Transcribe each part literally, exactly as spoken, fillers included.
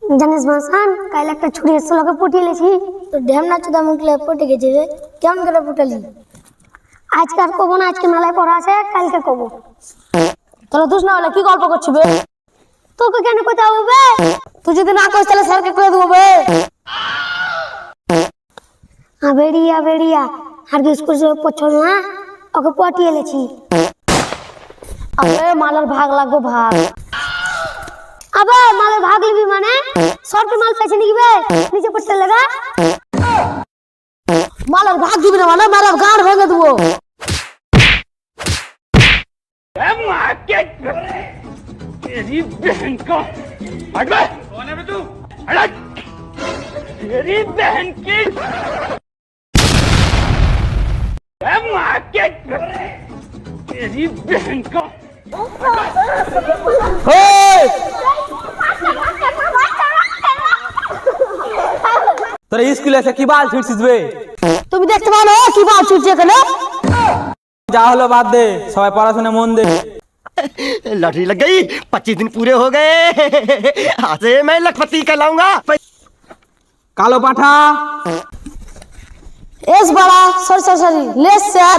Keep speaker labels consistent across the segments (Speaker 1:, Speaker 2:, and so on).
Speaker 1: জানিস মাসান কাল একটা ছুরি এসে লোকে পটিয়ে লেছি
Speaker 2: তো ঢ্যামনা চোদা মুখলে পটে গেছে রে, কেমন করে পটালি?
Speaker 1: আজকে আর কবো না, আজকে মেলায় পড়া আছে, কালকে কবো।
Speaker 2: তাহলে তুই না হলে কি গল্প করছিস বে?
Speaker 1: তোকে কেন কথা হবে?
Speaker 2: তুই যদি না কইস তাহলে স্যারকে কয়ে দেবো বে।
Speaker 1: আবেড়িয়া বেড়িয়া আর কি স্কুল से পছল না, ওকে পটিয়ে লেছি।
Speaker 2: আবে মালের ভাগ লাগবে ভাগ।
Speaker 1: আবে মালের ভাগ লিবি মানে সরকে মাল পেছে নাকি বে? নিচে পড়তে লাগা
Speaker 2: মালের ভাগ দিবি না মানে মালের গাঁড় ভেঙে দেবো।
Speaker 3: तेरी बहन का हट बे। कौन है बे तू? हट। तेरी बहन की ए मां के तेरी बहन का
Speaker 4: তোরা স্কুলে এসে কি বাল ছিড়ছিস বে?
Speaker 2: তুমি দেখতে পাও না কি বাল ছুটছে এখানে?
Speaker 4: যা হলো বাদ দে, সবাই পড়াশোনা মন দে।
Speaker 5: लॉटरी लग गई, पच्चीस दिन पूरे हो गए। आज से मैं लखपति कहलाऊंगा।
Speaker 4: কালো পাঠা,
Speaker 2: এস বাড়া সরি সরি সরি লেস স্যার।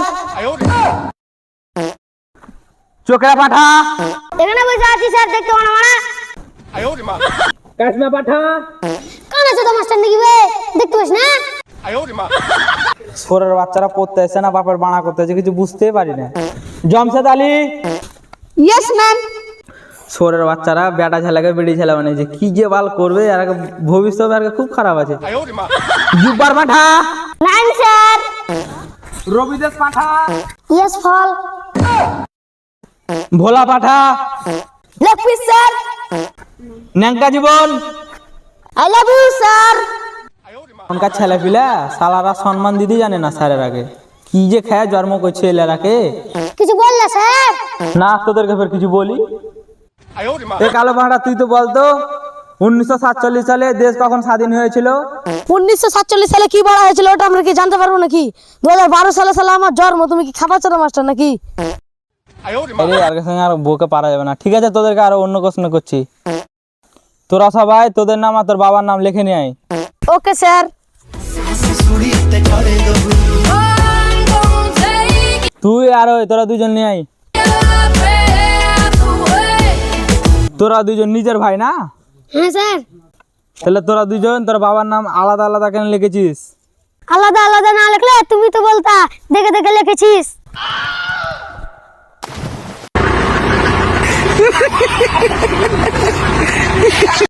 Speaker 4: চোখরা পাঠা,
Speaker 1: এখানে বসে আছি স্যার, দেখতে পাও না মানে
Speaker 4: কাশমা পাঠা,
Speaker 1: কান আছে তো মাস্টার নাকি বে? দেখতে পাস না?
Speaker 4: ছোরের বাচ্চারা পড়তে এসে না বাপের বাড়া করতে এসে কিছু বুঝতেই পারি না। Jamshed Ali,
Speaker 2: yes ma'am.
Speaker 4: ছোরের বাচ্চারা বেটা ছেলেকে বেড়ি ছেলে বানিয়েছে, কি যে বাল করবে আর ভবিষ্যৎ আর খুব খারাপ আছে। জুব্বার পাঠা,
Speaker 1: নাইন স্যার।
Speaker 4: রবিদেশ পাঠা,
Speaker 1: ইয়েস ফল।
Speaker 4: ভোলা পাঠা,
Speaker 2: লেগ পিস স্যার।
Speaker 4: ন্যাংকা জীবন।
Speaker 2: I love you sir.
Speaker 4: এখনকার ছেলে পিলা সালারা সম্মান দিতে জানে না স্যারের আগে, কি যে খেয়ে জন্ম করছে এলারাকে।
Speaker 1: কিছু বললে স্যার?
Speaker 4: না তোদেরকে ফের কিছু বলি। এ কালো পাহাড়া তুই তো বলতো উনিশশো সাতচল্লিশ সালে দেশ কখন স্বাধীন হয়েছিল?
Speaker 2: উনিশশো সাতচল্লিশ সালে কি বলা হয়েছিল ওটা আমরা কি জানতে পারবো নাকি? দু হাজার বারো সালে সালে আমার জন্ম, তুমি কি খাবার চারা মাস্টার নাকি?
Speaker 4: আরে আর সঙ্গে আর বউকে পারা যাবে না। ঠিক আছে, তোদেরকে আরো অন্য প্রশ্ন করছি। তোরা সবাই তোদের নাম আর তোর বাবার নাম লিখে নিয়ে আয়।
Speaker 2: Okay sir.
Speaker 4: তুই আর ওই তোরা দুজন নিয়ে আয়। তোরা দুজন নিজের ভাই না?
Speaker 1: হ্যাঁ স্যার।
Speaker 4: তাহলে তোরা দুজন তোর বাবার নাম আলাদা আলাদা কেন লিখেছিস?
Speaker 1: আলাদা আলাদা না লিখলে তুমি তো বলতা দেখে দেখে লিখেছিস।